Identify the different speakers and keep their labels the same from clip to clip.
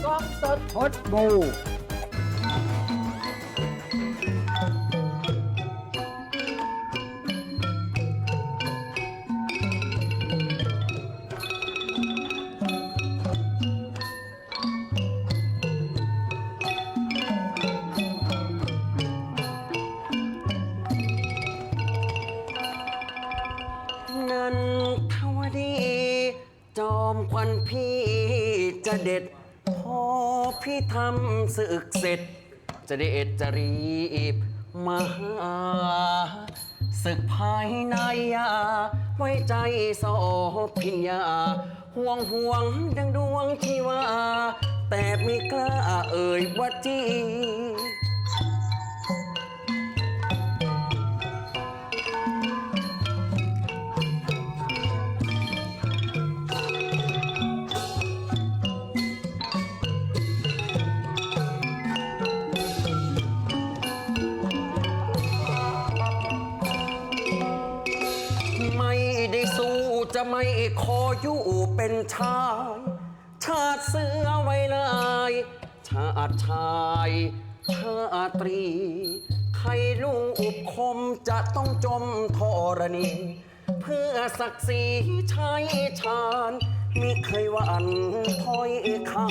Speaker 1: กล้องสด
Speaker 2: พดบู
Speaker 3: นันทวดี จอมควันพี่จะเด็ด พอพี่ทำศึกเสร็จ จะเด็ดจะรีบมาหาศึกภายในไว้ใจโสพิญญาห่วงดังดวงที่ว่า แต่ไม่กล้าเอ่ยว่าจี ไม่ได้สู้จะไม่ขออยู่เป็นชายชาติเสือไว้เลยชาติชายชาตรี ใครลูกคมจะต้องจมธรณี เพื่อศักดิ์ศรีชายชาญมิเคยหวั่นถ้อยคำ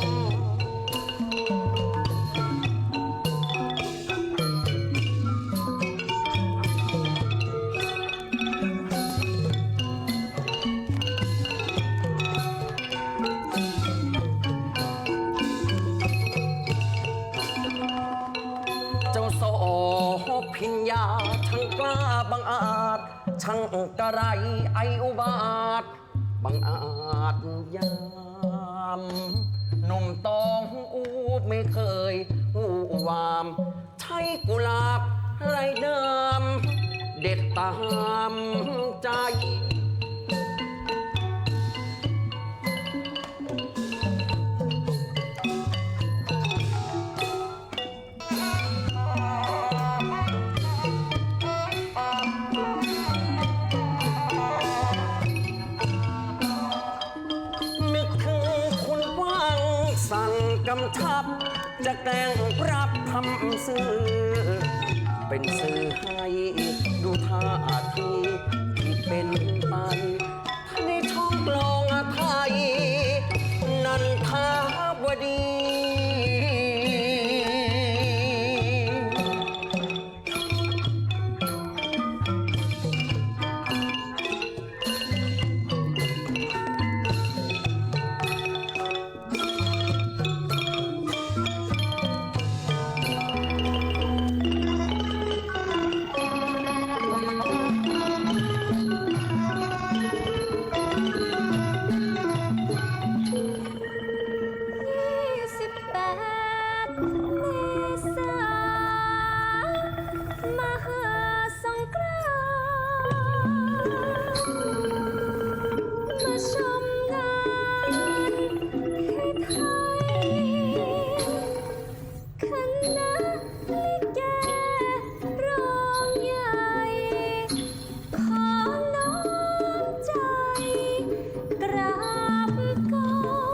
Speaker 3: เจ้าโสพิญญาช่างกล้าบังอาจช่างกระไรไออุบาทบังอาจยามหนุ่มตองอูไม่เคยอูวามใช้กุหลาบไรเดิมเด็ดตามใจ นึกถึงคุณว่างสั่งกำชับ จะแกล้งรับทำสื่อ เป็นสื่อให้ดูท่าทีที่เป็นไปในช่องกลองไทย นันทาวดี
Speaker 4: 28 เมษามหาสงกรานต์มาชมงานที่ไทยคณะลิเกร้องใหญ่ขอน้อมใจกราบก้ม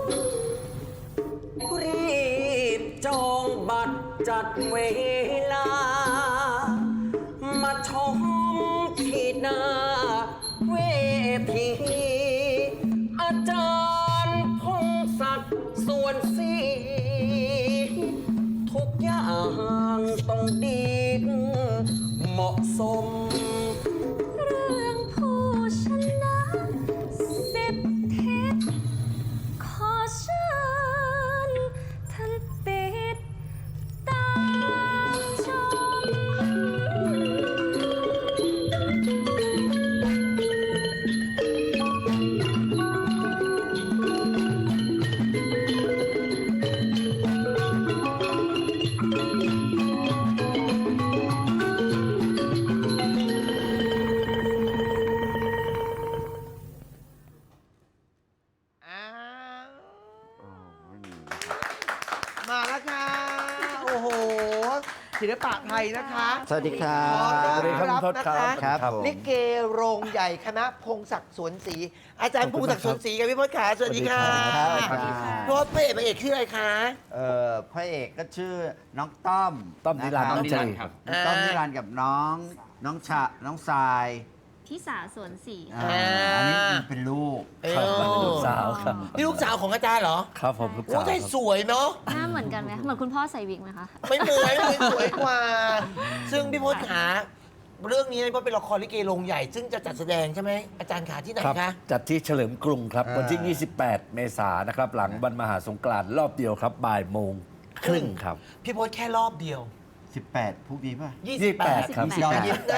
Speaker 3: รีบจองบัตรจัดเวลา มาชมที่หน้าเวทีอาจารย์พงศักดิ์ส่วนสีทุกอย่างต้องดีเหมาะสม
Speaker 4: เรื่องผู้ชนะ10 ทิศขอเชิญท่านติดตามชม
Speaker 1: อ้าวมาแล้วค่ะ โอ้โหศิลปะไทยนะคะ
Speaker 3: สวัสดีครับ
Speaker 1: ขอต้อน
Speaker 2: สวัสดีครับ
Speaker 1: รับนะ
Speaker 2: ครั
Speaker 1: คะ
Speaker 2: บ
Speaker 3: ครับผม
Speaker 1: ลิเกโรงใหญ่คณะพงศักดิ์สวนศรีอาจารย์พงศักดิ์สวนศรีกับพี่พจน์ขาสวัสดีค่ะ
Speaker 2: สวัสดีครับ
Speaker 1: พี่พจน์พระเอกชื่ออะไรคะ
Speaker 5: พระเอกก็ชื่อน้องต้อม
Speaker 2: ต้อมนิรันดร์
Speaker 5: ะ
Speaker 2: น้อง
Speaker 5: ค
Speaker 2: ใจ
Speaker 5: รับ
Speaker 2: ครับ
Speaker 5: ต้อมนิรันดร์กับน้องทราย
Speaker 4: ที่สาสวนสี
Speaker 5: อันนี้เป็นลูก
Speaker 2: ครับ
Speaker 1: เออ
Speaker 2: ลูกสาวครับ
Speaker 1: นี่ลูกสาวของอาจารย์เหรอ
Speaker 2: ครับผมลูก
Speaker 1: โอ้
Speaker 2: สาว
Speaker 1: ใช่สวยเนาะ
Speaker 4: หน้าเหมือนกันไหมเหมือนคุณพ่อใส่วิกไหมคะ
Speaker 1: ไม่เหมือนเลยสวยกว่า ซึ่งพี่พจน์ขาเรื่องนี้พี่พจน์เป็นละครลิเกโรงใหญ่ ซึ่งจะจัดแสดงใช่ไหมอาจารย์ขาที่ไหน
Speaker 2: ครับ
Speaker 1: คะ
Speaker 2: จัดที่เฉลิมกรุงครับ วันที่ 28 เมษายนนะครับ หลังวันมหาสงกรานต์รอบเดียวครับบ่ายโมงครึ่งครับ
Speaker 1: พี่พจน์แค่รอบเดียว
Speaker 5: 18พรุ่งนี้ป่ะ
Speaker 2: 28 ครับ
Speaker 5: ย้อน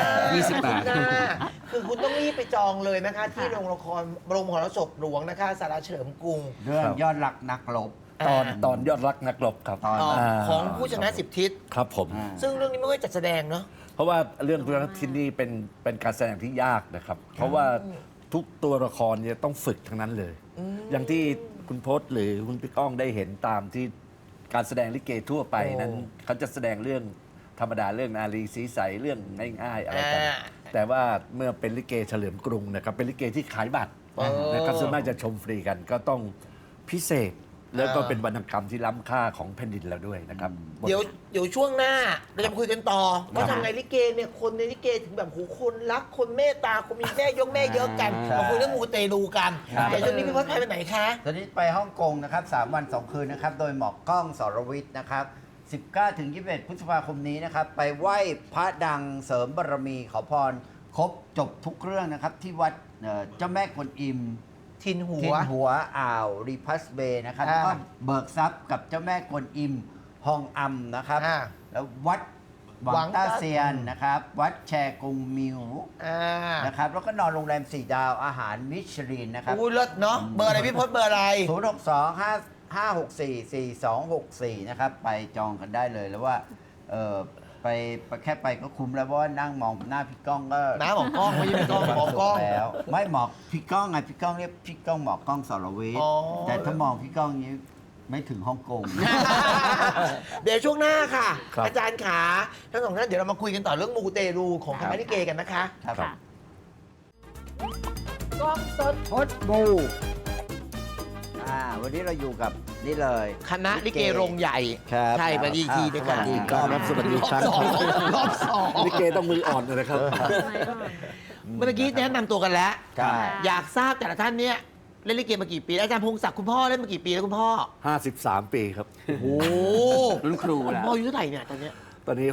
Speaker 3: 28
Speaker 1: คือคุณต้องรีบไปจองเลยนะคะ ที่โรงละครโรงมหรสพหลวงนะคะสาราเฉลิมกรุง
Speaker 5: เรื่อง
Speaker 2: ครับ
Speaker 5: ยอดรักนักรบ
Speaker 2: ตอนยอดรักนักรบครับ
Speaker 5: ตอน
Speaker 1: ของผู้ชนะสิบทิศ
Speaker 2: ครับผม
Speaker 5: อ่า
Speaker 1: ซึ่งเรื่องนี้ไม่ค่อยจัดแสดงเนาะ
Speaker 2: เพราะว่าเรื่องพระที่นี่เป็นการแสดงที่ยากนะครับ เพราะว่าทุกตัวละครเนี่ยต้องฝึกทั้งนั้นเลย อย่างที่คุณพจน์หรือคุณพี่ก้องได้เห็นตามที่การแสดงลิเกทั่วไปนั้นเขาจะแสดงเรื่องธรรมดาเรื่องนารีสีใสเรื่องง่ายๆอะไรกัน
Speaker 1: อ่า
Speaker 2: แต่ว่าเมื่อเป็นลิเกเฉลิมกรุงนะครับเป็นลิเกที่ขายบัตรนะครับส่วนมากจะชมฟรีกันก็ต้องพิเศษ แล้วก็เป็นวรรณกรรมที่ล้ำค่าของแผ่นดินเราด้วยนะครับ
Speaker 1: เดี๋ยวช่วงหน้าเราจะมาคุยกันต่อว่าทำไงลิเกเนี่ยคนในลิเกถึงแบบโหคนรักคนเมตตาคนมีแม่ยกแม่เยอะกัน
Speaker 5: ครับ
Speaker 1: มาคุยเรื่องมูเตลูกันแต่ช่วงนี้พี่พจน์ไปไหนคะ
Speaker 5: ตอนนี้ไปฮ่องกงนะครับ3 วัน 2 คืนนะครับ โดยหมอกกล้องสรวิทย์นะครับ 19 ถึง 21 พฤษภาคมนี้นะครับ ไปไหว้พระดังเสริมบารมีขอพร ครบจบทุกเรื่องนะครับ ที่วัดเจ้าแม่กวนอิม
Speaker 1: ทินหั
Speaker 5: ทิ
Speaker 1: ว
Speaker 5: นหัวอ่าวรีพัสเบย์นะครับ
Speaker 1: อ่า
Speaker 5: แล้วก็เบิกทรัพย์กับเจ้าแม่กวนอิมฮองอัมนะครับ
Speaker 1: อ่า
Speaker 5: แล้ววัดหวังต้าเซียนนะครับ วัดแชกงมิว
Speaker 1: อ่า
Speaker 5: นะครับ แล้วก็นอนโรงแรม 4 ดาวอาหารมิชลินนะครับ
Speaker 1: อู้เลิศเนาะเบอร์อะไรพี่พจน์เบอร์อะไร
Speaker 5: 062-564-4264 นะครับ ไปจองกันได้เลยแล้วว่าไปแค่ไปก็คุ้มแล้วเพราะว่านั่งมองหน้าพี่ก้องก็
Speaker 1: น้าหมอกล้องไม่ใช่พี่ก้องหมอกล้อง
Speaker 5: แล้ว ไม่หมอกพี่ก้องไงพี่ก้องเรียกพี่ก้องหมอกกล้องสรวิท
Speaker 1: อ๋
Speaker 5: ย์
Speaker 1: อ
Speaker 5: แต่ถ้ามองพี่ก้องนี้ไม่ถึงฮ่องกง
Speaker 1: เดี๋ยวช่วงหน้าค่ะ
Speaker 2: ครับ
Speaker 1: อาจารย์ขาทั้งสองท่านเดี๋ยวเรามาคุยกันต่อเรื่องมูเตลูของคณะลิเกกันนะคะ
Speaker 5: ครับ
Speaker 4: ค่ะ
Speaker 1: กล้องสด
Speaker 5: พดบูวันนี้เราอยู่กับนี่เลย
Speaker 1: คณะลิเกโรงใหญ่
Speaker 5: ครับ
Speaker 1: ใช่ไปดีทีด้วยกัน
Speaker 5: สวัสดีครับ
Speaker 2: สวัสดีครับ
Speaker 1: รอบสอง
Speaker 2: ลิเกต้องมืออ่อนเลยนะครับ
Speaker 1: เมื่อกี้แนะนำตัวกันแล้ว
Speaker 5: ใช่
Speaker 1: อยากทราบแต่ละท่านเนี่ยเล่นลิเกมากี่ปีแล้วอาจารย์พงศักดิ์คุณพ่อเล่นมากี่ปีแล้วคุณพ่อ
Speaker 2: 53 ปีครับ
Speaker 1: โอ้
Speaker 3: รุ่นครู
Speaker 1: คุณ
Speaker 3: แล้ว
Speaker 1: พ่ออายุเท่าไหร่เนี่ยตอนเนี้ย
Speaker 2: ตอนนี้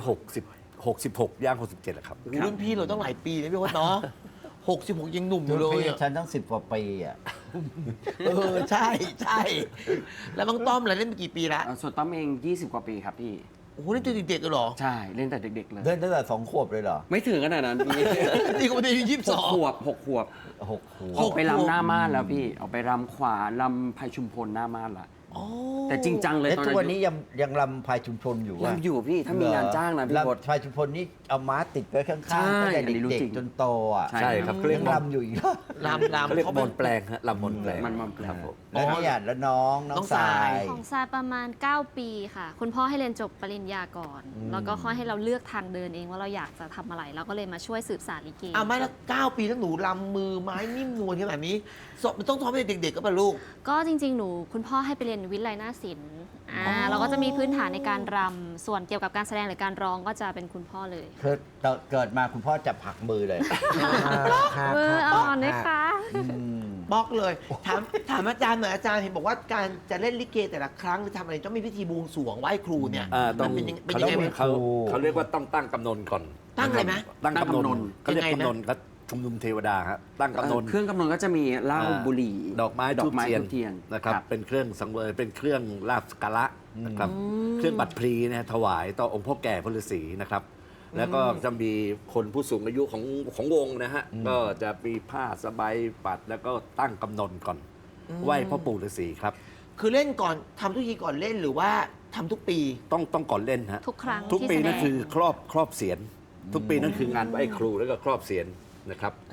Speaker 2: 66 ย่าง 67แล้วครับ
Speaker 1: โอ้รุ่นพี่เราต้องหลายปีเลยพี่พจน์เนาะ66 ยังหนุ่มอยู่เลย
Speaker 5: พี่
Speaker 1: อะ
Speaker 5: ฉันตั้ง10 กว่าปีอ่ะ
Speaker 1: ใช่ใช่แล้วบังต้อมล่ะเล่นมากี่ปีละ
Speaker 3: ส่วนต้อมเอง 20 กว่าปีครับพี่
Speaker 1: โอ้โหเล่นตัวเด็กๆเลยเหรอ
Speaker 3: ใช่เล่นแต่เด็กๆเลย
Speaker 5: เดินตั้งแต่2 ขวบเลยเหรอ
Speaker 3: ไม่ถึงขนาดนั้นพี่
Speaker 1: นี่ก็ไม่ได้อายุ
Speaker 3: หกขวบ6 ขวบ
Speaker 5: 6 ขว
Speaker 3: ออบ กไปรำหน้าม่านแล้วพี่ออกไปรำขวาลำไพชุมพลหน้าม่านละ
Speaker 1: อ๋อ
Speaker 3: แต่จริงจังเลย
Speaker 5: แล้ว
Speaker 3: ตอน
Speaker 5: ทุก
Speaker 3: นั้
Speaker 5: วัน
Speaker 3: น
Speaker 5: นี้ยังลำพายชุมชนอยู่วะ
Speaker 3: รำอยู่พี่ถ้ามีงานจ้างนะพี่พศ
Speaker 5: ลำพายชุมชนนี่เอาม้าติดไว้ข้าง
Speaker 3: ใช่
Speaker 5: ๆตั้งแต่
Speaker 3: อันนี้รู้
Speaker 5: เด็ก
Speaker 3: จริง
Speaker 5: ๆจนโตอ่ะ
Speaker 3: ใช่
Speaker 2: ใช่ครับเขาเรีย
Speaker 5: ยั
Speaker 2: ก
Speaker 5: ง
Speaker 2: มน
Speaker 5: ลำอยู่อีกเหรอ
Speaker 1: ลำ
Speaker 2: เขาเรียก
Speaker 1: เขา
Speaker 2: ม
Speaker 1: เป็น
Speaker 2: นแปลงฮะลำมนแปลง
Speaker 3: มันมอมแปลง
Speaker 2: ครับผม
Speaker 5: แล้วนี่อ่ะแล้วน้อง
Speaker 1: น้อง
Speaker 5: ทราร
Speaker 1: าย ย
Speaker 4: ของทรายประมาณ 9 ปีค่ะ คุณพ่อให้เรียนจบปริญญาก่อน แล้วก็ค่อยให้เราเลือกทางเดินเองว่าเราอยากจะทำอะไรเราก็เลยมาช่วยสืบสานลิเก
Speaker 1: อ่ะไม่ละ9 ปีแล้วหนูลำมือไม้นิ่มนวลขนาดนี้มันต้องซ้อมให้เด็กๆก็ป่ะลูก
Speaker 4: ก็จริง ๆ หนูคุณพ่อให้ไปเรียนวิทยาลัยนาฏศิลป์เราก็จะมีพื้นฐานในการรำส่วนเกี่ยวกับการแสดงหรือการร้องก็จะเป็นคุณพ่อเลย
Speaker 5: คือเกิดมาคุณพ่อจับผักมือเลย
Speaker 4: มืออ่อนด้วยค่ะ
Speaker 1: บล็อกเลย ถามอาจารย์หน่อยอาจารย์เห็นบอกว่าการจะเล่นลิเกแต่ละครั้งหรือทำอะไรต้องมีพิธีบวงสรวงไหว้ครูเนี่ย
Speaker 2: ต้อง
Speaker 1: มันเป็น
Speaker 2: เขา
Speaker 1: ยัง
Speaker 2: เรีย
Speaker 1: ไง
Speaker 2: ก
Speaker 1: ไหม
Speaker 2: ว่าเขาเรียกว่าต้องตั้งกำนนก่อน
Speaker 1: ตั้งอะไรไหม
Speaker 2: ตั้งกำน
Speaker 3: ตั้งกำน
Speaker 2: น
Speaker 3: น
Speaker 2: เขาเรียก
Speaker 1: ยังไงนะ
Speaker 2: กำนนครับชุมนุมเทวดาครับตั้งกำนน
Speaker 3: เครื่องกำนนก็จะมีเหล้าบุหรี่
Speaker 2: ดอกไม้
Speaker 3: ดอ
Speaker 2: ทู
Speaker 3: ก
Speaker 2: บ
Speaker 3: ไม้
Speaker 2: เทียน
Speaker 3: ทูบเทียน
Speaker 2: นะครับเป็นเครื่องสังเวยเป็นเครื่องลาบสกการะนะครับเครื่องบัตรพลีนะถวายต่อองค์พ่อแก่พระฤาษีนะครับ แล้วก็จะมีคนผู้สูงอายุของวงนะฮะก็จะมีผ้าสบายปัดแล้วก็ตั้งกำนนก่อนไหว้พ่อปู่ฤาษีครับ
Speaker 1: คือเล่นก่อนทำทุกทีก่อนเล่นหรือว่าทำทุกปี
Speaker 2: ต้องก่อนเล่นฮะ
Speaker 4: ทุกครั้ง
Speaker 2: ทุก
Speaker 4: ที่
Speaker 2: ปี
Speaker 4: แสด
Speaker 2: นั่น
Speaker 4: ง
Speaker 2: คือครอบเสียนทุกปีนั่นคืองานไหว้ครูแล้วก็ครอบเสียนนะครับ
Speaker 5: ครับ
Speaker 2: จ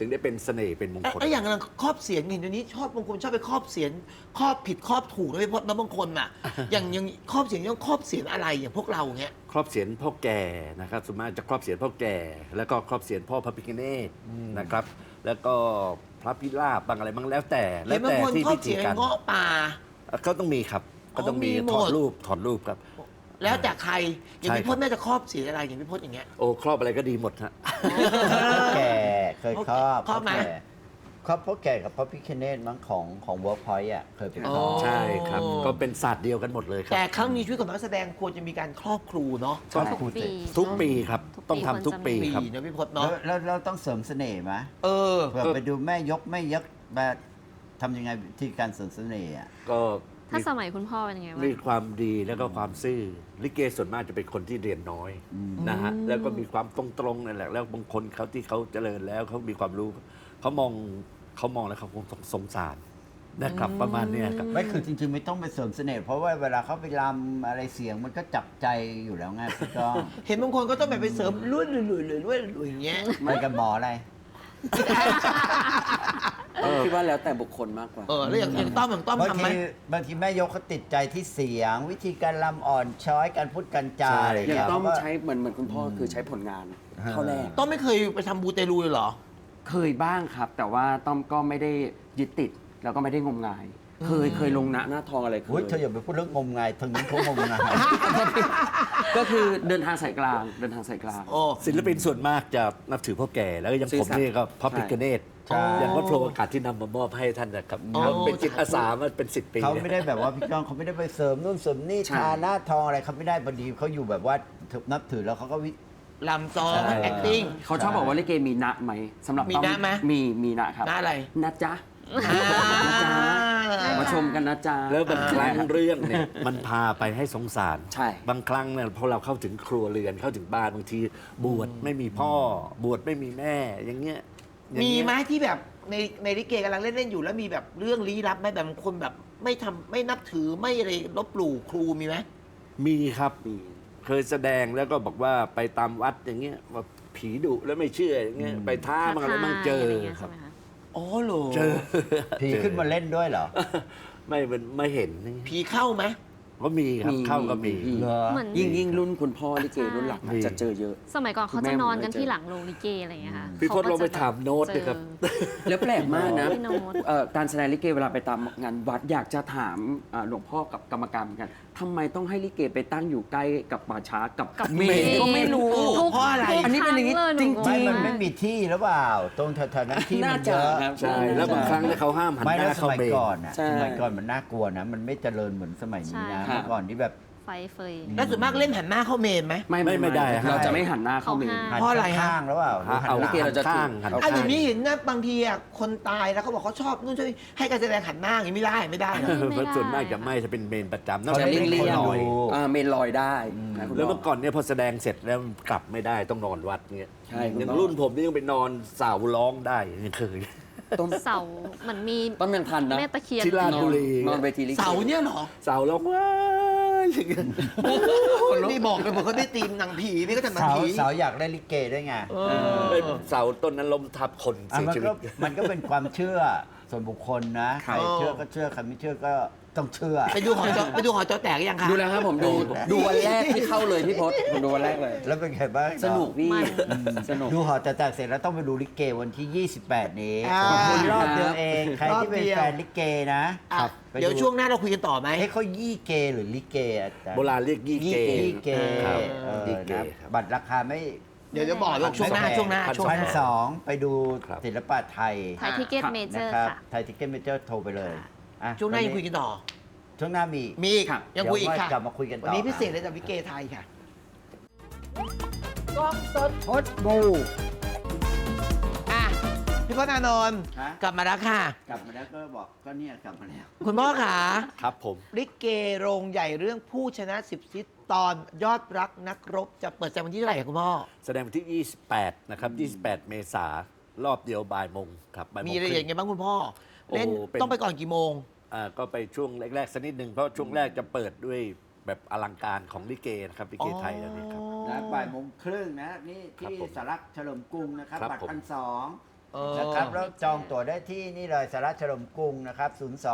Speaker 2: ถึงได้เป็นเสน่ห์เป็นมงคล
Speaker 1: แล้วอย่างนั้นครอบเสียนเห็นเดี๋ยวนี้ชอบบางคนชอบไปครอบเสียนครอบผิดครอบถูกนะพี่พจน์นะบางคนอ่ะ อย่างครอบเสียนต้องครอบเสียนอะไรอย่างพวกเราเงี้ย
Speaker 2: ครอบเสียนพ่อแก่นะครับส่วนมากจะครอบเสียนพ่อแก่ แล้วก็ครอบเสียนพ่อพระพิฆเนศนะครับ แล้วก็พระพิราบบางอะไรบางแล้วแต่
Speaker 1: เห็นบางคน
Speaker 2: ที่
Speaker 1: ครอ
Speaker 2: พิ
Speaker 1: บ
Speaker 2: ธี
Speaker 1: เสียน
Speaker 2: การ
Speaker 1: เงาะป่า
Speaker 2: ก็ต้องมีครับ ก็ต้องมี
Speaker 1: มีหมด
Speaker 2: ถอดรูปครับ
Speaker 1: แล้วแต่ใครอย่าง
Speaker 2: ใช่
Speaker 1: พี่พจน์แม่จะครอบเสียนอะไรอย่างพี่พจน์อย่างเงี้ย
Speaker 2: โอ้ครอบอะไรก็ดีหมดฮะ
Speaker 5: แก่เคยครอบ
Speaker 1: ครอบไหม
Speaker 5: ครอบพ่อแก่กับพ่อพิคเนตมั้งของเวิร์กพอยต์อ่ะเคยไปครอบ
Speaker 2: ใช่ครับ ก็เป็นศาสตร์เดียวกันหมดเลยครับ
Speaker 1: แต่ครั้งนี้ชีวิตของนักแสดงควรจะมีการครอบครูเนาะ
Speaker 5: ใช่
Speaker 4: ทุกปี
Speaker 2: ทุกปีครับ
Speaker 4: ทุก
Speaker 2: ต้องทำทุกปี
Speaker 1: ปี
Speaker 2: ครับ
Speaker 1: นะพี่พจน์
Speaker 5: แล้
Speaker 1: เนาะ
Speaker 5: วเราต้องเสริมเสน่ห์ไหม
Speaker 1: เออ
Speaker 5: เผื่อไปดูแม่ยกแบบทำยังไงวิธีการเสริมเสน่ห์อ่ะ
Speaker 2: ก็
Speaker 4: ถ้าสมัยคุณพ่อเป็นยังไงบ้าง
Speaker 2: มีความดีแล้วก็ความซื่อลิเกส่วนมากจะเป็นคนที่เรียนน้อยนะฮะแล้วก็มีความตรงๆนั่นแหละแล้วบางคนเขาที่เขาเจริญแล้วเขามีความรู้เขามองแล้วเขาคงสงสารนะครับประมาณเนี้ยครับ
Speaker 5: ไม่คือจริงๆไม่ต้องไปเสริมเสน่ห์เพราะว่าเวลาเขาไปรำอะไรเสียงมันก็จับใจอยู่แล้วไงพี่ก้อง
Speaker 1: เห็นบางคนก็ต้องแบบไปเสริมลุ่ยอย่างเงี้ย
Speaker 5: ไปกับหมออะไร
Speaker 3: คิดว่าแล้วแต่บุคคลมากกว่า
Speaker 1: แล้วอย่างต้อม
Speaker 5: บาง
Speaker 1: ทำไหม
Speaker 5: ทีบางทีแม่ยกเขาติดใจที่เสียง วิธีการรำอ่อนช้อยการพูดการจา
Speaker 2: ใช่
Speaker 5: อะไร
Speaker 3: อย่าง
Speaker 5: เงี้ย
Speaker 3: ต้อง
Speaker 5: เพราะว่า
Speaker 3: ใช้เหมือนคุณพ่อคือใช้ผลงานเท่าแรก
Speaker 1: ต้อมไม่เคยไปทำบูเตลูเลยเหรอ
Speaker 3: เคยบ้างครับ แต่ว่าต้อมก็ไม่ได้ยึดติด แล้วก็ไม่ได้งมงาย เคยลงหน้าทองอะไรเค
Speaker 5: อุ๊ย
Speaker 3: ย
Speaker 5: เธออย่าไปพูดเรื่องงมงายทางนี้เขางมงาย
Speaker 3: ก็คือเดินทางสายกลาง
Speaker 1: โอ้
Speaker 2: ศิลปินส่วนมากจะนับถือพ่อแก่แล้วก็อย่าง
Speaker 3: ซื่
Speaker 2: ผ
Speaker 3: อ
Speaker 2: ม
Speaker 3: สัตย์
Speaker 2: นี่ก็พระพิฆเนศ
Speaker 5: ใช่
Speaker 2: อย่างวัดโพธิ์อากาศที่นำมามอบให้ท่านนะครับเขาเป็นจิตอาสามาเป็น10 ปี
Speaker 5: เขาไม่ได้แบบว่าพี่ก้องเขาไม่ได้ไปเสริมนู่นเสริมนี่
Speaker 3: ใช่
Speaker 5: ทาหน้าทองอะไรเขาไม่ได้พอดีเขาอยู่แบบว่านับถือแล้วเขาก็
Speaker 1: ลำซ้อม
Speaker 5: ใช่
Speaker 1: acting
Speaker 3: เขาชอบบอกว่าลิเกมีนะไหมสำหรับ
Speaker 1: มี
Speaker 3: ต้อ
Speaker 1: นะไหม
Speaker 3: มีนะครับ
Speaker 1: นะอะไร
Speaker 3: นะจ๊ะมาชมกันนะจ๊ะ
Speaker 2: แล้วบางครั้งเรื่องเนี่ยมันพาไปให้สงสาร
Speaker 3: ใช่
Speaker 2: บางครั้งเนี่ยพอเราเข้าถึงครัวเรือนเข้าถึงบ้านบางทีบวชไม่มีพ่อบวชไม่มีแม่อย่างเงี้ยอย่าง
Speaker 1: มี
Speaker 2: เงี้ย
Speaker 1: ไหมที่แบบในลิเกกำลังเล่นอยู่แล้วมีแบบเรื่องลี้ลับไหมแบบบางคนแบบไม่นับถือไม่อะไรลบหลู่ครูมีไหม
Speaker 2: มีครับ
Speaker 3: มี
Speaker 2: เคยแสดงแล้วก็บอกว่าไปตามวัดอย่างเงี้ยว่าผีดุแล้วไม่เชื่ออย่างเงี้ยไปท้าบางอะไรบางเจอ
Speaker 4: ท้าทายะไรงี้ย
Speaker 2: ครับ
Speaker 4: ใช่ไหมะ
Speaker 1: อ๋อเหรอ
Speaker 2: เจอ
Speaker 5: ผีขึ้นมาเล่นด้วยเหรอ
Speaker 2: ไม่เห็น
Speaker 1: ผีเข้าไหม
Speaker 2: ก็มีครับเข้าก็มี
Speaker 5: เหรอ
Speaker 4: เหมือน
Speaker 3: ยิ่งรุ่นคุณพ่อลิเกรุ่นหลัง
Speaker 2: มี
Speaker 3: จะเจอเยอะ
Speaker 4: สมัยก่อนเขา
Speaker 3: คุณแม่
Speaker 4: จะนอนกัน
Speaker 3: ผมเคยเจอ
Speaker 4: ที่หลังโรงลิเกอะไรอย่างเงี้ยค่ะ
Speaker 2: พี่พจน์ลองไปถามโน้ต
Speaker 4: เจ
Speaker 2: ดิ
Speaker 4: อ
Speaker 2: ครับ
Speaker 3: แล้วแปลกมากนะ
Speaker 4: พี่โน้ต
Speaker 3: การแสดงลิเกเวลาไปตามงานวัดอยากจะถามหลวงพ่อกับกรรมการเหมือนกันทำไมต้องให้ลิเกไปตั้งอยู่ใกล้กับป่าช้ากับเมนก็ไม่รู้
Speaker 4: ทุก
Speaker 1: เพราะอะไร
Speaker 4: ทุก
Speaker 3: อันนี้เป็นอย่างนี้
Speaker 4: คล
Speaker 3: จริง
Speaker 4: ห
Speaker 5: ไม่
Speaker 4: บอก
Speaker 5: มัน
Speaker 4: ว่า
Speaker 5: ไม่มีที่หรือเปล่า ตรงแถวๆนั้นที่มั
Speaker 3: น่าน
Speaker 5: เย
Speaker 3: จะ
Speaker 5: อะ
Speaker 3: ครับ
Speaker 2: ใช่แล้วบางครั้งเนี่ยเขาห้ามหัน
Speaker 5: ไม่
Speaker 2: ห
Speaker 5: แล้ว
Speaker 2: น้า
Speaker 5: ส
Speaker 2: เข้า
Speaker 5: มัย
Speaker 2: เมน
Speaker 5: ก่อนอ่ะ
Speaker 3: ใช่
Speaker 5: สมัยก่อนมันน่ากลัวนะ มันไม่เจริญเหมือนสมัยนี้นะ
Speaker 4: ใช่
Speaker 5: เมื่อก่อนที่แบบ
Speaker 4: ไฟเฟย
Speaker 1: แล้วส่วนมากเล่นหันหน้าเข้าเมนไหม
Speaker 2: ไม่ได้ฮะ
Speaker 3: เราจะไม่หันหน้าเข้าเมน
Speaker 4: เขาห้าม
Speaker 1: เพราะอะไรฮะ
Speaker 5: ข้างๆแล้วเปล่าหรือหัน
Speaker 2: เอา
Speaker 5: ห
Speaker 3: ลิ
Speaker 5: ลัง
Speaker 3: เกเราจะ
Speaker 2: ข้างหัน
Speaker 1: อ่ะ
Speaker 2: ข้าง
Speaker 1: เดี๋ยวนี้เห็นนะบางทีอ่ะคนตายแล้วเขาบอกเขาชอบนู่นชอบนี่ให้การแสดงหันหน้าอย่างนี้ไม่ได้นะ
Speaker 2: เพราะส่วนมากจะไม่จะเป็นเมนประจำนอก
Speaker 3: จะ
Speaker 2: จาก
Speaker 3: เลี่ยง
Speaker 2: เล่น
Speaker 3: ๆ
Speaker 2: ลอย
Speaker 3: เมนลอยได้นะคุณ
Speaker 2: แล้ว
Speaker 3: พ่
Speaker 2: เมื่อก่อนเนี่ยพอแสดงเสร็จแล้วกลับไม่ได้ต้องนอนวัดเงี้ย
Speaker 3: ใช่คุณ
Speaker 2: อย่าง
Speaker 3: พ่อ
Speaker 2: รุ่นผมนี่ยังไปนอนเสาร้องได้ยังเคย
Speaker 3: ต้น
Speaker 4: เสาเหมือนมี
Speaker 3: ต้นยังทันนะ
Speaker 4: แม่ตะเคียน
Speaker 2: ที่ราชบุรี
Speaker 3: นอนเวทีลิเก
Speaker 1: เสาเนี่ยเหรอ
Speaker 2: เสาร้องว้ายอย่างเงี้ย
Speaker 1: นี่บอกเลยบอกเขาได้ตีมหนังผีนี่ก็ทำหนัง
Speaker 5: เสา
Speaker 1: ผี
Speaker 5: เสาอยากได้ลิเกด้วยไง
Speaker 2: เสาต้นนั้นล้มทับคน
Speaker 5: อ่ะ
Speaker 2: เสีย
Speaker 5: มัน
Speaker 2: ชีวิ
Speaker 5: ก็
Speaker 2: ต
Speaker 5: มันก็เป็นความเชื่อส่วนบุคคลนะใครเชื่อก็เชื่อใครไม่เชื่อก็ต้องเชื่อ
Speaker 1: ไปดูหอจอแตกยังคะ
Speaker 3: ดูแล้วครับผมดูวันแรกที่เข้าเลยพี่พศผมดูวันแรกเลย
Speaker 5: แล้วเป็นไงบ้าง
Speaker 3: สนุกพี่
Speaker 4: มัน
Speaker 3: สนุก
Speaker 5: ดูหอจะแตกเสร็จแล้วต้องไปดูลิเกวันที่ 28 นี้
Speaker 1: อ่า
Speaker 5: ขอบคุณรอบเดียวเอง ใครที่เป็น
Speaker 1: รอบเดียว
Speaker 5: แฟนลิเกนะ
Speaker 1: อ่ะ
Speaker 5: ไป
Speaker 1: เดี๋ยวช่วงหน้าเราคุยกันต่อไหม
Speaker 5: ให้เขายี่เกหรือลิเกอาจารย์
Speaker 2: โบราณเรียกยี่เก
Speaker 5: ยี่เก
Speaker 2: ครับ
Speaker 5: ยี่
Speaker 2: ยี่เก
Speaker 5: นะครับ บัตรราคาไม่
Speaker 1: เดี๋ยวจะบอกว่าช่วงหน้า
Speaker 5: พันสองไปดู
Speaker 2: ครับ
Speaker 5: ศิลปะไทย
Speaker 4: ไทยทิเก็ตเมเจอ
Speaker 5: นะ
Speaker 4: ร์
Speaker 5: ครับ
Speaker 4: ค่ะ
Speaker 5: ไทยทิเก็ตเมเจอร์โทรไปเลยอ่ะ
Speaker 1: ช่วงหน้ายังคุยกันต่อ
Speaker 5: ช่วงหน้ามี
Speaker 1: มีอีก
Speaker 3: ครับ
Speaker 1: ยังคุยอีกค่ะ
Speaker 5: เดี๋ยวว่ากลับมาคุยกันต่อ
Speaker 1: วันนี้พิเศษเลยจากวิเกไทยค่ะ
Speaker 5: กล้องสดพดบู
Speaker 1: อ่ะพี่พจน์อานนท์
Speaker 5: ฮะ
Speaker 1: กลับมาแล้วค่ะ
Speaker 5: กลับมาแล้วก็บอกก็เนี่ยกลับมาแล้ว
Speaker 1: คุณพ่อขา
Speaker 2: ครับผม
Speaker 1: ลิเกโรงใหญ่เรื่องผู้ชนะ10ทิศตอนยอดรักนักรบจะเปิดแสดงวันที่เท่าไหร่คะคุณพ่อ
Speaker 2: แสดงวันที่ 28 นะครับ 28 เมษารอบเดียวบ่ายโมงครับบ่ายโม
Speaker 1: มี
Speaker 2: ง
Speaker 1: รายละ
Speaker 2: ค
Speaker 1: เอีย
Speaker 2: รึ่
Speaker 1: ด
Speaker 2: ง
Speaker 1: ไงบ้างคุณพ่อ เล่น
Speaker 2: โอ้เป็น
Speaker 1: ต้องไปก่อนกี่โมง
Speaker 2: ก็ไปช่วงแรกๆสักนิดหนึ่งเพราะช่วงแรกจะเปิดด้วยแบบอลังการของลิเกนะครับลิเกไทยแล้วนี่ครับ
Speaker 5: นะบ่ายโมงครึ่งนะนี่
Speaker 2: ครับ
Speaker 5: ที่
Speaker 2: ผม
Speaker 5: สารักเฉลิมกรุงนะครับ
Speaker 2: ครับ
Speaker 5: บัตร
Speaker 2: ผม
Speaker 5: 1,200 นะครับแล้วจองตั๋วได้ที่นี่เลยสาระเฉลิมกรุงนะครับ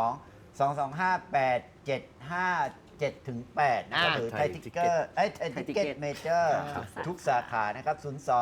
Speaker 5: 02-225-8757-8 นะครับหรือไทยทิกเกอร์ไทยทิกเก็ตเมเจอร์ทุกสาขานะครับ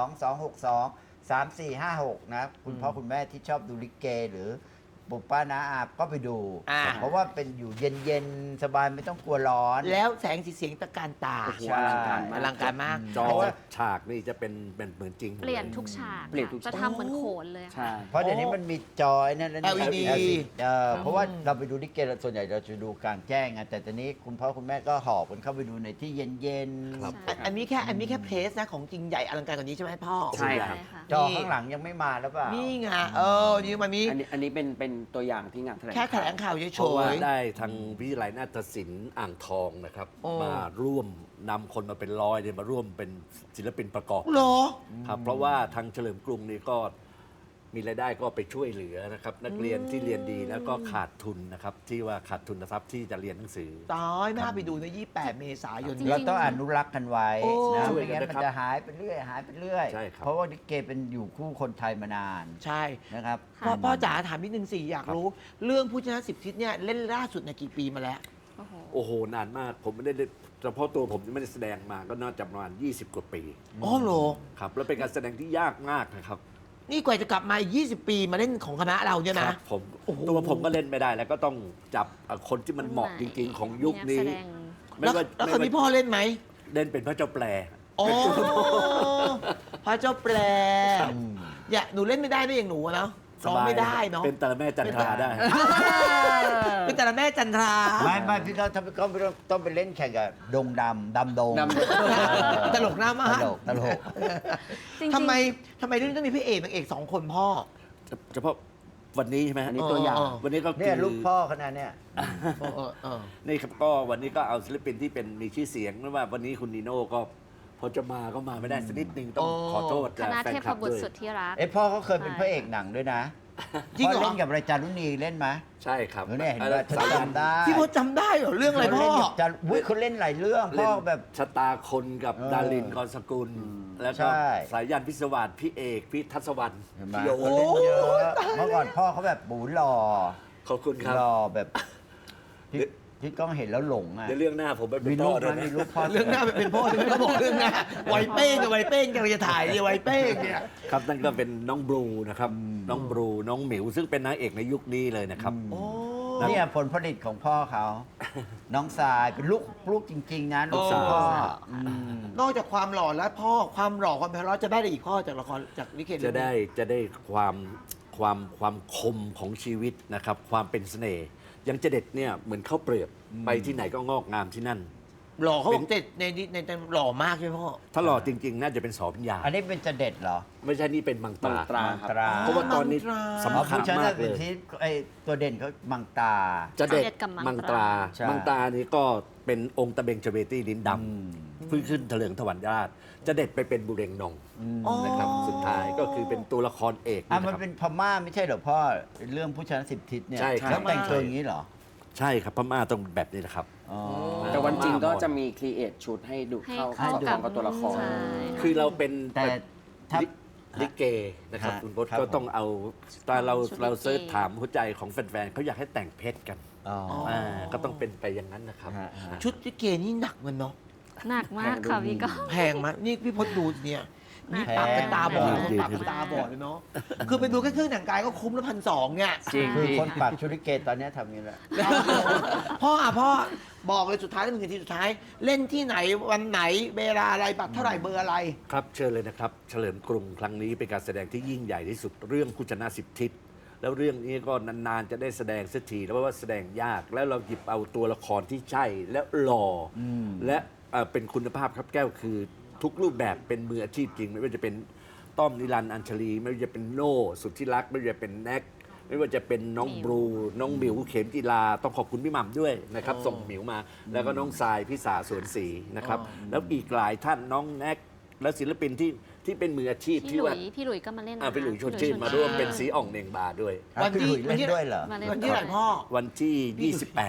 Speaker 5: 02-262-3456 นะคุณพ่อคุณแม่ที่ชอบดูลิเกหรือปุป้าน้าอาก็ไปดู เพราะว่าเป็นอยู่เย็นๆ สบายไม่ต้องกลัวร้อน
Speaker 1: แล้วแสงสีเสียงตะการตา
Speaker 5: ใช่
Speaker 1: อลังการมาก
Speaker 2: จอ
Speaker 5: เพราะว่า
Speaker 2: ฉากนี่จะเป็นเหมือนจริงหมด
Speaker 4: เปลี่ยนทุกฉาก
Speaker 3: เปลี่ยนทุก
Speaker 4: จะ
Speaker 3: ฉาก
Speaker 4: ทำเหมือนโขนเลย
Speaker 3: ใช่
Speaker 4: ค่ะ
Speaker 5: เพราะเดี๋ยวนี้มันมีจอยนั่นแล้ว
Speaker 1: LED
Speaker 5: เพราะว่าเราไปดูลิเกส่วนใหญ่เราจะดูกลางแจ้งไงแต่ตอนนี้คุณพ่อคุณแม่ก็หอบกันเข้าไปดูในที่เย็น
Speaker 2: ครับ
Speaker 4: ใช่
Speaker 1: อันนี้แค่เพลสนะของจริงใหญ่อลังการกว่านี้ใช่ไหมพ่อ
Speaker 3: ใช่ครับ
Speaker 4: ค่ะ
Speaker 5: ๆ จอข้างหลังยังไม่มาแล้วเปล่า
Speaker 1: นี่ไงนี่มันมี
Speaker 3: อันนี้เป็นตัวอย่างที่งานแถลง
Speaker 1: แค่แถลงข่าวเฉ
Speaker 2: เพราะว่าย
Speaker 1: ๆ
Speaker 2: ได้ทางวิทยาลัยนาฏศิลป์อ่างทองนะครับ
Speaker 1: โอ้
Speaker 2: มาร่วมนำคนมาเป็นร้อยเนี่ยมาร่วมเป็นศิลปินประกอบ
Speaker 1: เหรอ
Speaker 2: ครับเพราะว่าทางเฉลิมกรุงนี่ก็มีรายได้ก็ไปช่วยเหลือนะครับ นักเรียนที่เรียนดีแล้วก็ขาดทุนนะครับ ที่ว่าขาดทุนทรัพย์ที่จะเรียนหนังสือ
Speaker 1: ตายน่าไปดูใน 28 เมษายน
Speaker 4: จริง
Speaker 5: เราต้องอนุรักษ์กันไว้
Speaker 1: โอ้
Speaker 5: นะ
Speaker 2: ช่วย
Speaker 5: ไม่
Speaker 2: กัน
Speaker 5: งั้น
Speaker 2: นะ
Speaker 5: มัน
Speaker 2: ครับ
Speaker 5: จะหายไปเรื่อยหายไปเรื่อย
Speaker 2: ใช่ครับ
Speaker 5: เพราะว่าลิเกเป็นอยู่คู่คนไทยมานาน
Speaker 1: ใช่
Speaker 5: นะครับ
Speaker 1: พ่อจ๋าถามนิดนึงสิอยากรู้ เรื่องผู้ชนะ10 ทิศเนี่ยเล่นล่าสุดในกี่ปีมาแล้ว
Speaker 4: โอ้โห
Speaker 2: โอ้โห นานมากผมไม่ได้เฉพาะตัวผมยังไม่ได้แสดงมาก็น่าจะประมาณ20 กว่าปี
Speaker 1: อ๋อเหรอ
Speaker 2: ครับแล้วเป็นการแสดงที่ยากมากนะครับ
Speaker 1: นี่กว่าจะกลับมาอีก20 ปีมาเล่นของคณะเราเนี่ย
Speaker 2: ค
Speaker 1: นะ
Speaker 2: รับผม
Speaker 1: โอ้โห
Speaker 2: ตัวผมก็เล่นไม่ได้แล้วก็ต้องจับคนที่มันเหมาะจริง ๆ ของยุคนี้
Speaker 4: แสดง
Speaker 1: แล้วคนนี้พ่อเล่นไหม
Speaker 2: เล่นเป็นพระเจ้าแปล
Speaker 1: อ๋อพระเจ้าแปลอย่าหนูเล่นไม่ได้ด้วยอย่างหนูอะเนาะร้องไม่ได้เนาะ
Speaker 2: เป็นแต่ละแม่จันทราได้
Speaker 1: เป็นแต่ละแม่จันทรา
Speaker 5: ไม่พี่ก็ต้องไปเล่นแข่งกับดงดำดง
Speaker 3: ดำ
Speaker 1: ตลกหน้ามาก
Speaker 5: ตลก
Speaker 4: จริงๆ
Speaker 1: ทำไมเรื่องนี้ต้องมีพระเอกนางเอก2 คนพ่อ
Speaker 2: เฉพาะวันนี้ใช่ไหม
Speaker 3: อันนี้ตัวอย่าง
Speaker 2: วันนี้ก็
Speaker 5: เนี่ย
Speaker 2: คือ
Speaker 5: ลูกพ่อขนาดเนี่ย
Speaker 2: นี่ครับก็วันนี้ก็เอาศิลปินที่เป็นมีชื่อเสียงไม่ว่าวันนี้คุณนีโน่ก็พอจะมาก็มาไม่ได้สักนิดนึงต้อง
Speaker 1: อ๋อ
Speaker 2: ขอโทษ
Speaker 4: คณะ
Speaker 2: แฟน
Speaker 4: เท
Speaker 2: คลั
Speaker 4: พ
Speaker 2: บ
Speaker 4: บุต
Speaker 2: ด้
Speaker 4: ร
Speaker 2: วย
Speaker 4: สุดที่รัก
Speaker 5: พ่อเขาเคยเป็นพระเอกหนังด้วยนะ
Speaker 1: จริงเหรอ
Speaker 5: พ่อเล่นกับรายจารุณีเล่นไหม
Speaker 2: ใช่ครับ
Speaker 5: เนี่ยเห็นว่าฉันจำได้
Speaker 1: พี่พจน์จำได้เหรอเรื่องอะไรพ่อ
Speaker 5: เขาเล่นหลายเรื่องพ่อแบบ
Speaker 2: ชะตาคนกับ
Speaker 5: เออ
Speaker 2: ดารินกรสกุล แล้วก็
Speaker 5: ใช่
Speaker 2: สายยันพิศวาสพี่เอกพี่ทัศวรรณ
Speaker 5: เห็นไหม
Speaker 2: พี่โย
Speaker 5: เขาเล่นเยอะเมื่อก่อนพ่อเขาแบบบูหล่อ
Speaker 2: ขอบคุณครับ
Speaker 5: หล่อแบบที่กล้องเห็นแล้วหลงอ่ะ
Speaker 2: ในเรื่องหน้าผมไปเป็
Speaker 5: มี
Speaker 2: น
Speaker 5: รู
Speaker 2: พ่อ
Speaker 5: ป
Speaker 2: ด้วย
Speaker 5: มั้ย
Speaker 2: นะ
Speaker 5: มีรูปพ่อ
Speaker 1: เรื่องหน้าเป็นพ่อที่ไม่ต้องบอกเรื่องหน้าไวเป้งกับไวเป้งกำลังจะถ่ายเนี่ยไวเป้งเนี่ย
Speaker 2: ครับนั่นก็เป็นน้องบลูนะครับน้องบลูน้องหมิวซึ่งเป็นนางเอกในยุคนี้เลยนะครับ
Speaker 1: โอ้
Speaker 5: เนี่ยผลผลิตของพ่อเขา น้องทรายเป็นลูกจริง ๆนะลูกสาวพ่ออืม
Speaker 1: นอกจากความหล่อแล้วพ่อความหล่อความไพเราะจะได้อะไรอีกพ่อจากละครจากลิเก
Speaker 2: จะได้ความคมของชีวิตนะครับ ความเป็นเสน่ห์อยังเจเด็ดเนี่ยเหมือนข้าวเปลือกไปที่ไหนก็งอกงามที่นั่น
Speaker 1: หล่อเขาบอกเด็ดในหล่อมากใช่ไหมพ่อ
Speaker 2: ถ้าหล่อจริง ๆ น่าจะเป็นสอพิญญา
Speaker 5: อันนี้เป็นจะเด็ดเหรอ
Speaker 2: ไม่ใช่นี่เป็นมังตรา
Speaker 3: มังตรา
Speaker 5: มังตรา
Speaker 2: เพราะว่าตอนนี้
Speaker 1: มังตรา
Speaker 2: สำคัญ
Speaker 5: ผู้ชนะ
Speaker 2: มากเล
Speaker 5: เป็น
Speaker 2: ย
Speaker 5: ที่ไอตัวเด่นเขามังตา
Speaker 2: จะเด็ด
Speaker 4: จะเด็ดกับมั
Speaker 2: มัง
Speaker 4: ง
Speaker 2: ต
Speaker 4: ต
Speaker 2: รา
Speaker 4: รา
Speaker 5: ใช่
Speaker 2: มังตรานี้ก็เป็นองค์ตะเบงเจเวตี้ลิ้นดำเพิ่งขึ้นเถลิงถวันราชจะเด็ดไปเป็นบุเรงนอง
Speaker 1: อ๋อ
Speaker 2: นะครับสุดท้ายก็คือเป็นตัวละครเอก
Speaker 5: อ่ะ
Speaker 2: นะ
Speaker 5: มัน
Speaker 2: ครับ
Speaker 5: เป็นพม่าไม่ใช่เหรอพ่อเรื่องผู้ชนะ10 ทิศเนี่ย
Speaker 2: ใช่ครับ
Speaker 5: แล้วแต่งตัวอย่างนี้เหรอ
Speaker 2: ใช่ครับพม่าต้องแบบนี้นะครับ
Speaker 5: อ๋อ
Speaker 3: แต่วันจริงก็จะมีครีเอทชุดให้ดู
Speaker 4: ให้
Speaker 3: เข้า
Speaker 4: เข้า
Speaker 3: เข้ากับตัวละคร
Speaker 4: ใช่
Speaker 2: คือเราเป็น
Speaker 5: แต่ถ้า
Speaker 2: ลิเกนะครับ
Speaker 5: ฮะ
Speaker 2: คุณพจน์
Speaker 5: ครับ
Speaker 2: ก็ต้องเอาตอนเรา
Speaker 4: ชุดลิเก
Speaker 2: เราเซิร์ชถามหัวใจของแฟนๆเขาอยากให้แต่งเพชรกัน
Speaker 5: อ๋อ
Speaker 2: ก็ต้องเป็นไปอย่างนั้นนะครับ
Speaker 5: ฮะฮะ
Speaker 1: ชุดลิเกนี่หนักมันเนาะ
Speaker 4: หนักมากค่ะพี่ก็
Speaker 1: แพงมากนี่พี่พจน์ดูเนี่ยนี่
Speaker 5: แพง
Speaker 1: ปรับเป็นตาบอด
Speaker 2: จริง
Speaker 1: ปรับเป็นตาบอดเลยเนาะคือไปดูแค่เครื่องแต่งกายก็คุ้มละ1,200เนี่ย
Speaker 3: จริง
Speaker 5: คือ
Speaker 3: พี่
Speaker 5: คนปักชุดลิเกตอนนี้ทำอย่างนี้แหละ
Speaker 1: พ่อบอกเลยสุดท้ายแล้ว1 นาทีสุดท้าย เล่นที่ไหนวันไหนเวลาอะไรบัตรเท่าไหร่เบอร์อะไร
Speaker 2: ครับเชิญเลยนะครับ เฉลิมกรุงครั้งนี้เป็นการแสดงที่ยิ่งใหญ่ที่สุดเรื่องผู้ชนะ10 ทิศแล้วเรื่องนี้ก็นานๆจะได้แสดงสักทีแล้วเพราะว่าแสดงยากแล้วเราหยิบเอาตัวละครที่ใช่และหล่ออและเป็นคุณภาพครับแก้วคือทุกรูปแบบเป็นมืออาชีพจริง ไม่ว่าจะเป็นต้อมนิรันดร์อัญชลี ไม่ว่าจะเป็นโน่สุทธิรักษ์ไม่ว่าจะเป็นแน็กไม่ว่าจะเป็นน้องบลูน้องหมิวเข็มจีราต้องขอบคุณพี่หม่ำด้วยนะครับส่งหมิวมา แล้วก็น้องทรายพิสาสวนศรีนะครับแล้วอีกหลายท่านน้องแน็กและศิลปินที่เป็นมืออาชีพ
Speaker 4: พี่
Speaker 2: ที่
Speaker 4: หลุ
Speaker 2: ว่า
Speaker 4: ยพี่หลุยก็มาเล่นนะ
Speaker 2: พี่หลุยชวนชื่นมาร่วมเป็นสีอ่องเน่งบาด้วย
Speaker 1: วันที่
Speaker 5: พี่หลุยเล่นด้วยเหรอ
Speaker 4: มาเล่น
Speaker 1: วันที่ไหนพ่อ
Speaker 2: วันที่ 28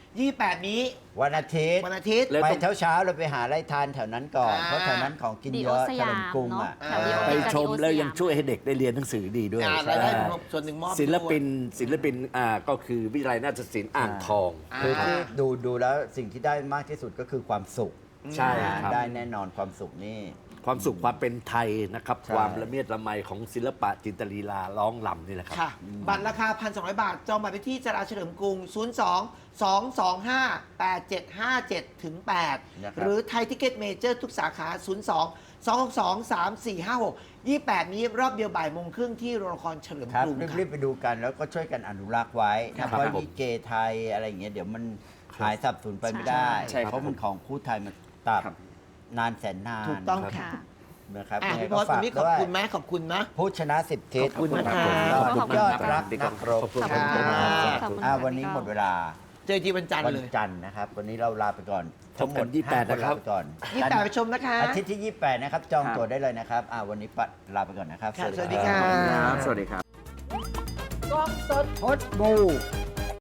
Speaker 1: 28 นี้
Speaker 5: วันอาทิตย์
Speaker 1: วันอาทิตย์
Speaker 2: แล้ว
Speaker 5: ไป
Speaker 2: ต้อง
Speaker 5: เช้าๆเราไปหาอะไรทานแถวนั้นก่อน
Speaker 1: อ่า
Speaker 5: เพราะแถวนั้นของกินเยอะ
Speaker 4: ดีโอส
Speaker 5: เฉ
Speaker 4: ยาม
Speaker 5: ลิมกรุงอ่ะ
Speaker 4: เนอะแถวดีโอ
Speaker 2: ไป
Speaker 4: จาก
Speaker 2: ชม
Speaker 4: ดีโอ
Speaker 2: แล้ว
Speaker 4: ส
Speaker 2: ยังช่วยให้เด็กได้เรียนหนังสือดีด้วย
Speaker 1: รายได้
Speaker 2: ใช่
Speaker 1: ส่วนหนึ่งมอบ
Speaker 2: ศิลปิน
Speaker 1: ด้วย
Speaker 2: ศิลปินก็คือวิทยาลัยนาฏศิลป์อ่างทอง
Speaker 5: คือที่ดูแล้วสิ่งที่ได้มากที่สุดก็คือความสุข
Speaker 2: ใช่ครับ
Speaker 5: ได้แน่นอนความสุขนี่
Speaker 2: ความสุขความเป็นไทยนะครับ
Speaker 5: ใช่
Speaker 2: ความละเมียดละไมของศิลปะจินตลีลาร้องลำนี่แหละครับ
Speaker 1: ค่ะ บัตรราคา 1,200 บาท จองบัตรไปที่จราเฉลิมกรุง 02-225-8757ถึง
Speaker 5: นะครับ
Speaker 1: 8 หรือไทยทิเก็ตเมเจอร์ทุกสาขา 02-262-3456 28 นี้รอบเดียวบ่ายโมงครึ่งที่โรงละครเฉลิม
Speaker 5: ครับ
Speaker 1: กรุงค่ะ
Speaker 5: รีบๆไปดูกันแล้วก็ช่วยกันอนุรักษ์ไว้
Speaker 2: ครับ
Speaker 5: เพราะ
Speaker 2: ผม
Speaker 5: ลิเกไทยอะไรอย่างเงี้ยเดี๋ยวมันหายสับสูญไปไม่ได้
Speaker 3: ใช่ครับ
Speaker 5: เพราะมันของคู่ไทยมันตับ
Speaker 3: ครับ
Speaker 5: นานแสนนาน
Speaker 1: ถูกต้อง
Speaker 4: ค่ะ
Speaker 5: นะครับ
Speaker 1: อ่ะ
Speaker 5: ยังไง
Speaker 1: พี่พ
Speaker 5: ก็
Speaker 1: ศวั
Speaker 5: ฝาน ก
Speaker 1: นี้ขอบ
Speaker 5: ด้วย
Speaker 1: คุณไหมขอบคุณนะ
Speaker 5: ผู้ชนะ10ทิศ
Speaker 1: ขอบคุณนะคะ
Speaker 5: สุดยอดรัก
Speaker 3: ขอบคุณ
Speaker 5: นักรบ
Speaker 3: ขอบคุณ
Speaker 4: ขอบคุณค่ะ
Speaker 1: ครับ
Speaker 4: ขอบคุณ
Speaker 5: อ่ะ
Speaker 4: ค่ะ
Speaker 5: วันนี้
Speaker 4: พี่
Speaker 5: หม
Speaker 4: ก้อง
Speaker 5: ดเวลา
Speaker 1: เจอทีวันจันทร์
Speaker 5: วัน
Speaker 1: เลย
Speaker 5: จันทร์นะครับ วันนี้เราลาไปก่อน
Speaker 2: พบกัน
Speaker 5: ทั้งหมด
Speaker 2: 28 นะครับ
Speaker 5: ลาไปก่อน
Speaker 1: 28 ไปชมนะคะ
Speaker 5: อาทิตย์ที่ 28 นะครับ จองตั๋วได้เลยนะครับวันนี้ลาไปก่อนนะครับ
Speaker 1: ค่ะสวัสดีค่ะ
Speaker 3: สวัสดีครับ
Speaker 1: กล้องสด
Speaker 5: พดบู